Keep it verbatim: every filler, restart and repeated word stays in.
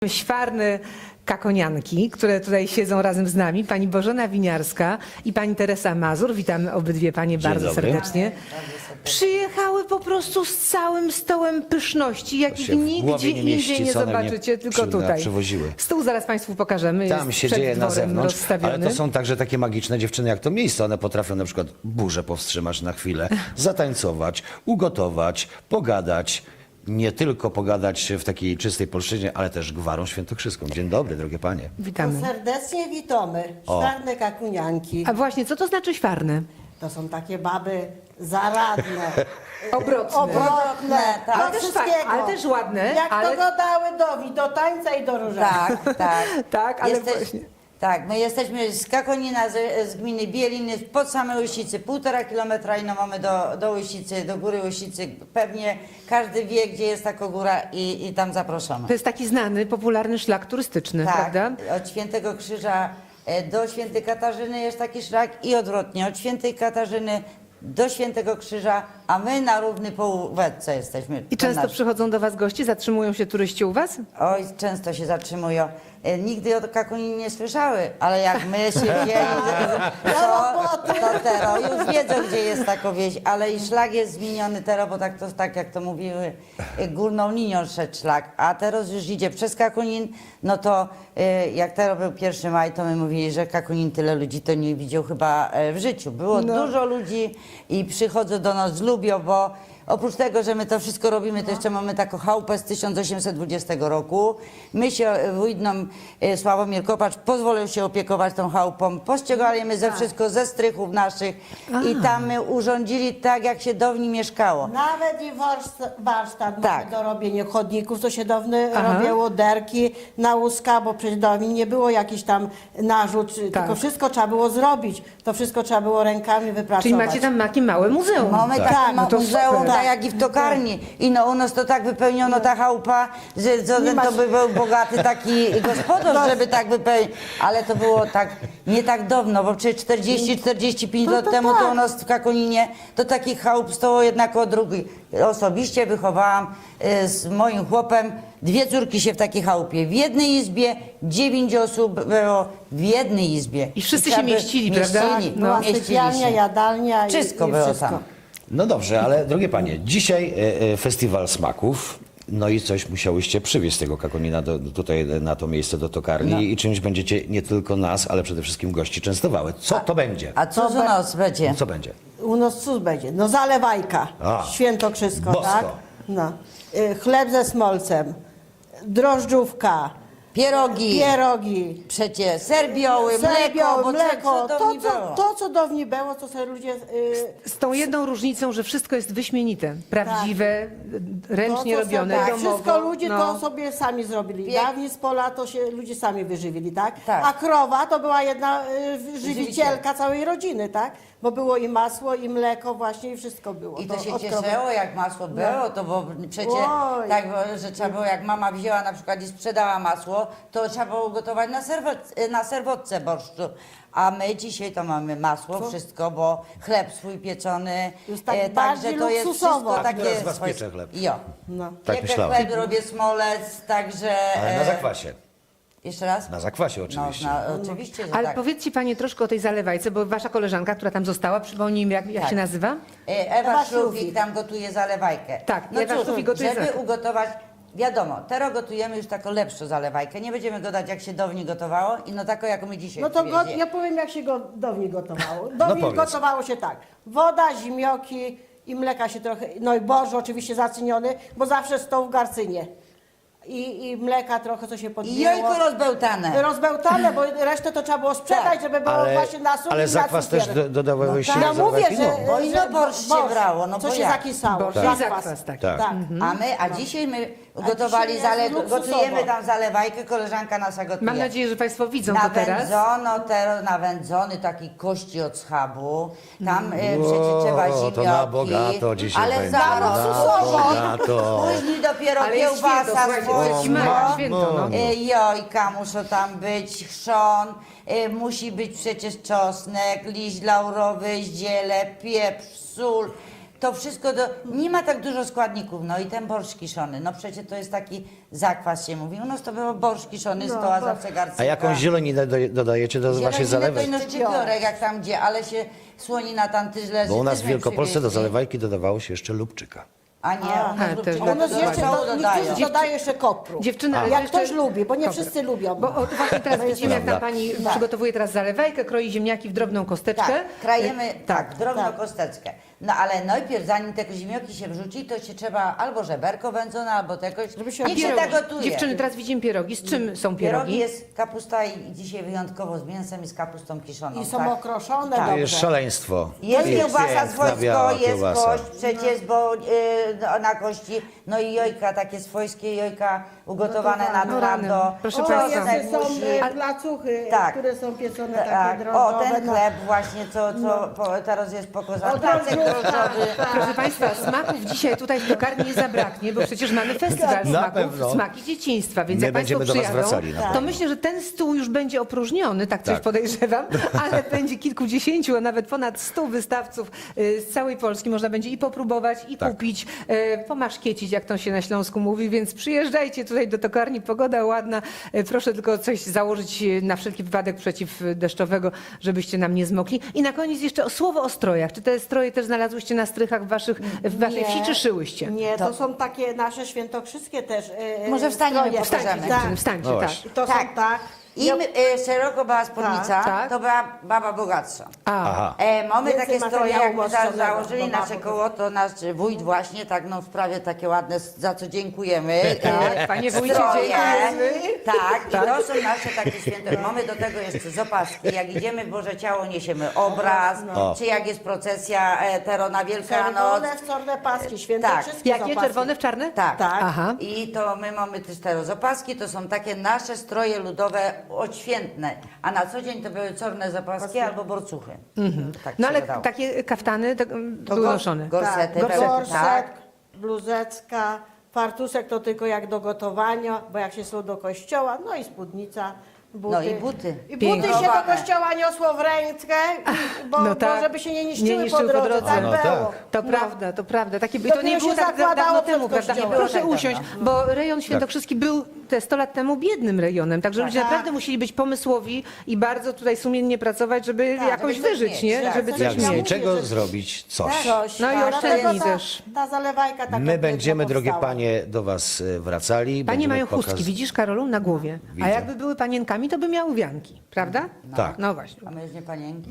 Świarne kakonianki, które tutaj siedzą razem z nami, pani Bożena Winiarska i pani Teresa Mazur. Witamy obydwie panie bardzo dobry. serdecznie. Przyjechały po prostu z całym stołem pyszności, jakich się w nigdzie głowie nie mieści, indziej nie co one mnie zobaczycie, tylko przy- tutaj. przywoziły. Stół zaraz państwu pokażemy. Tam jest się przed dzieje na dworem zewnątrz, rozstawiony. ale to są także takie magiczne dziewczyny jak to miejsce. One potrafią na przykład burzę powstrzymać na chwilę, zatańcować, ugotować, pogadać. Nie tylko pogadać w takiej czystej polszczyźnie, ale też gwarą świętokrzyską. Dzień dobry, drogie panie. Witamy. To serdecznie witamy. O. Świarne kakunianki. A właśnie, co to znaczy świarne? To są takie baby zaradne, Obrotne. obrotne, tak. do Ale też wszystkiego. fa- ale też ładne, Jak ale- to godały dowi, do tańca i do różańca. Tak, tak. Tak, ale Jesteś, właśnie. Tak, my jesteśmy z Kakonina, z, z gminy Bieliny, pod same Łysicy, półtora kilometra i no mamy do, do Łysicy, do góry Łysicy. Pewnie każdy wie, gdzie jest taka góra i, i tam zapraszamy. To jest taki znany, popularny szlak turystyczny, Tak, prawda? od Świętego Krzyża e, do Świętej Katarzyny jest taki szlak i odwrotnie, od Świętej Katarzyny do Świętego Krzyża, a my na równy półwetce jesteśmy. I To często nasz. przychodzą do was gości, zatrzymują się turyści u was? Oj, często się zatrzymują. E, Nigdy o Kakuninie nie słyszały, ale jak my się wzięli, to, to tero już wiedzą, gdzie jest taka wieś, ale i szlak jest zmieniony tero, bo tak, to, tak jak to mówiły, e, górną linią szedł szlak, a teraz już idzie przez Kakunin, no to e, jak tero był pierwszy maj, to my mówili, że Kakunin tyle ludzi to nie widział chyba e, w życiu. Było No. dużo ludzi i przychodzą do nas, lubią, bo oprócz tego, że my to wszystko robimy, to jeszcze mamy taką chałupę z tysiąc osiemset dwudziestego roku. My się, wójt nam, e, Sławomir Kopacz, pozwolił się opiekować tą chałupą. Pościągaliśmy ze wszystko, ze strychów naszych i tam my urządzili tak, jak się dawniej mieszkało. Nawet i warsztat, warsztat Tak. mamy do robienia chodników, to się dawno Aha. robiło derki na łuska, bo przecież dawniej nie było jakiś tam narzut, Tak. tylko wszystko trzeba było zrobić. To wszystko trzeba było rękami wypracować. Czyli macie tam takie małe muzeum. Mamy tak, Tak, no no to muzeum, super. tak jak i w tokarni. I no u nas to tak wypełniono ta chałupa, że co, Nie to masz- by był bogaty taki gospodarz, żeby tak wypełnić. Ale to było tak, nie tak dawno, bo przecież czterdzieści czterdzieści pięć No lat to temu to tak. u nas w Kakuninie to takich chałup stało jednak o drugi. Osobiście wychowałam y, z moim chłopem dwie córki się w takiej chałupie. W jednej izbie dziewięć osób było w jednej izbie. I wszyscy trzeba się by- mieścili, prawda? Mieścili, No. Była mieścili sypialnia, się. jadalnia i, Wszystko i było wszystko. tam. No dobrze, ale drogie panie, dzisiaj e, e, festiwal smaków. No i coś musiałyście przywieźć z tego Kakonina do, do, tutaj na to miejsce, do tokarni No. i czymś będziecie nie tylko nas, ale przede wszystkim gości częstowały. Co to będzie? A co za nas będzie? Co będzie? U nas cóż będzie? No zalewajka, A, świętokrzysko, bosko. tak? No. Y, Chleb ze smolcem, drożdżówka, Pierogi, pierogi, przecie ser biały, ser mleko, białe, bo mleko, co to, dawniej co, było. to co dawniej było, co sobie ludzie... y, Z tą jedną różnicą, że wszystko jest wyśmienite, prawdziwe, ręcznie to, co robione, sobie, tak, domowo. wszystko ludzie no. to sobie sami zrobili. Piek- Dawniej z pola to się ludzie sami wyżywili, tak? Tak. A krowa to była jedna y, żywicielka Żywicielka. całej rodziny, tak? Bo było i masło, i mleko właśnie i wszystko było. I to się od krowy. cieszyło, jak masło było, to bo przecie Oj. tak, bo, że trzeba było, jak mama wzięła na przykład i sprzedała masło, to trzeba było gotować na, serwet, na serwotce borszczu. A my dzisiaj to mamy masło, wszystko, bo chleb swój pieczony, Już tak e, bardziej także to jest luksusowo. wszystko Tak, takie... teraz z was swoje- piecze chleb. Jo. No. Tak Piekę myślałem. chleb, robię smolec, także... Ale na e, zakwasie. Jeszcze raz? Na zakwasie No, oczywiście. na, oczywiście, że Ale tak. powiedzcie panie troszkę o tej zalewajce, bo wasza koleżanka, która tam została, przypomnij mi, jak, jak Tak. się nazywa? E, Ewa Ewa Szlufik Szlufik. tam gotuje zalewajkę. Tak, no Ewa cóż, Szlufik gotuje żeby zalewajkę. ugotować, wiadomo, teraz gotujemy już taką lepszą zalewajkę. Nie będziemy go dać, jak się dawniej gotowało i no taką, jaką my dzisiaj No to go, przywiezie. ja powiem, jak się go dawniej gotowało. Dawniej powiedz. gotowało się tak. Woda, zimioki i mleka się trochę, no i borż oczywiście zacyniony, bo zawsze stał w garcynie. I, i mleka trochę, co się I podbiło. jajko rozbełtane. Rozbełtane, bo resztę to trzeba było sprzedać, Tak. żeby było Ale, właśnie na sól ale i na zakwas też cukier. do, dodawałyście No do mówię, zalewajki? że, No. Bo ino że borsz się brało, no co bo się jak? zakisało. Borsz Tak. i zakwas taki. Tak. Tak. A my, a dzisiaj my gotowali, dzisiaj zale, jest luksusowo. gotujemy tam zalewajkę, koleżanka nasza gotuje. Mam nadzieję, że państwo widzą to teraz. Nawędzono, teraz nawędzony taki kości od schabu. Tam e, przecież trzeba O, zimioki. to na bogato dzisiaj ale będzie. zaraz, Na luksusowo. bogato. Później dopiero Ale jest święto, kiełbasa słuchajcie, swojsko. to jest zima, święto, no. E, Jojka muszą tam być, chrzon, e, musi być przecież czosnek, liść laurowy, ziele, pieprz, sól. to wszystko, do, nie ma tak dużo składników, no i ten borsz kiszony, no przecież to jest taki zakwas się mówi, u nas to było borsz kiszony, No, stoła bo- zawsze garncyka. A jakąś zieloninę do, dodajecie do waszej Zieloninę zalewek? to ino szczypiorek jak tam gdzie, ale się słonina tam tyż leży. Bo u nas też w mnie Wielkopolsce do przywieźli. zalewajki dodawało się jeszcze lubczyka. A nie, A, u nas też lubczyka do- U nas do jeszcze rosołu do, dodają. niektórzy dodają jeszcze kopru. Dziewczyny, ale Jak jeszcze- ktoś lubi, bo nie Kopru. wszyscy lubią. Bo o, właśnie teraz To jest widzimy, jak tam prawda. pani Tak. przygotowuje teraz zalewajkę, kroi ziemniaki w drobną kosteczkę. Tak, krajemy Y, tak, drobną tak. kosteczkę. No ale najpierw, zanim te ziemnioki się wrzuci, to się trzeba albo żeberko wędzone, albo tegoś. Żeby się Niech się Pierogi. tak gotuje. Dziewczyny, teraz widzimy pierogi. Z czym są Pierogi pierogi? jest kapusta i dzisiaj wyjątkowo z mięsem i z kapustą kiszoną. I są tak? okroszone Tak. To dobrze. jest szaleństwo. Jest I kiełbasa piękna, swojsko, biała jest kiełbasa. kość przecież, bo y, no, na kości, no i jojka, takie swojskie jojka ugotowane na No rany, twardo. proszę O, państwa. jeszcze są musi- e, placuchy, Tak. które są pieczone takie Tak, o, drożdżowe. ten no. chleb właśnie, co, co po, teraz jest pokazany, O, placek drożdżówka, drożdżowy. tak. Proszę Państwa, smaków dzisiaj tutaj w tokarni nie zabraknie, bo przecież mamy festiwal Na smaków, pewno. smaki dzieciństwa, więc My jak Państwo będziemy do was przyjadą, wracali, na to pewno. myślę, że ten stół już będzie opróżniony, tak coś Tak. podejrzewam, ale będzie kilkudziesięciu, a nawet ponad stu wystawców y, z całej Polski. Można będzie i popróbować, i Tak. kupić, y, pomaszkiecić, jak to się na Śląsku mówi, więc przyjeżdżajcie tutaj do tokarni, pogoda ładna, y, proszę tylko coś założyć y, na wszelki wypadek przeciwdeszczowego, żebyście nam nie zmokli. I na koniec jeszcze o słowo o strojach. Czy te stroje też znalazłyście na strychach w, waszych, w waszej wsi, czy szyłyście? Nie, to są takie nasze świętokrzyskie też e, Może wstaniemy, stroje. pokażemy. Wstańcie, Tak. dziewczyny, wstańcie, No tak. właśnie. I to Tak. są tak. Im y, szeroko była spódnica, tak. to była baba bogatsza. A, Aha. E, mamy Więcej takie stroje, materiału jak my za, umoszczonego, założyli bo nasze ma- koło, to nasz wójt właśnie tak no w sprawie takie ładne, za co dziękujemy. Tak, e, panie wójcie, stroje. dziękujemy. Tak, i to są nasze takie święte. Mamy do tego jeszcze zapaski. Jak idziemy w Boże Ciało, niesiemy obraz, O. czy jak jest procesja e, tero na Wielkanoc. Czerwone w czarne paski, świętokrzyskie jakie? są paski. Czerwone w czarne? Tak. Tak. Aha. I to my mamy też te zapaski, to są takie nasze stroje ludowe odświętne, a na co dzień to były czarne zapaski albo borcuchy. Tak No się ale gadało. takie kaftany to, mm, To były go- noszone. Gorsety, Tak, pełne, gorset, tak. bluzeczka, fartuszek to tylko jak do gotowania, bo jak się szło do kościoła, no i spódnica, buty. No i buty. I buty Pięknie. się do Chowane. kościoła niosło w rękę, bo, No tak. bo żeby się nie Nie niszczyły, niszczyły po po drodze. drodze. Tak No było. tak. To No. prawda, to prawda. Takie, to Dopiero nie było się tak da- zakładało dawno przed temu, prawda? kościołem. Proszę Nie było tak usiąść, dawno. bo rejon świętokrzyski był te sto lat temu biednym rejonem, także ludzie Tak. naprawdę musieli być pomysłowi i bardzo tutaj sumiennie pracować, żeby Tak, jakoś żeby coś wyżyć, mieć, nie? tak. Żeby Coś coś Jak z miał. mieć. niczego że- zrobić coś. Coś, No i tak. oszczędni Dlatego ta- też. Ta zalewajka taka My piękna będziemy, drogie powstała. panie, do was e, wracali. Panie Będziemy mają chustki, pokaz- widzisz, Karolu, na głowie. A Widzę. jakby były panienkami, to by miały wianki, prawda? Tak. No właśnie. A my już nie panienki.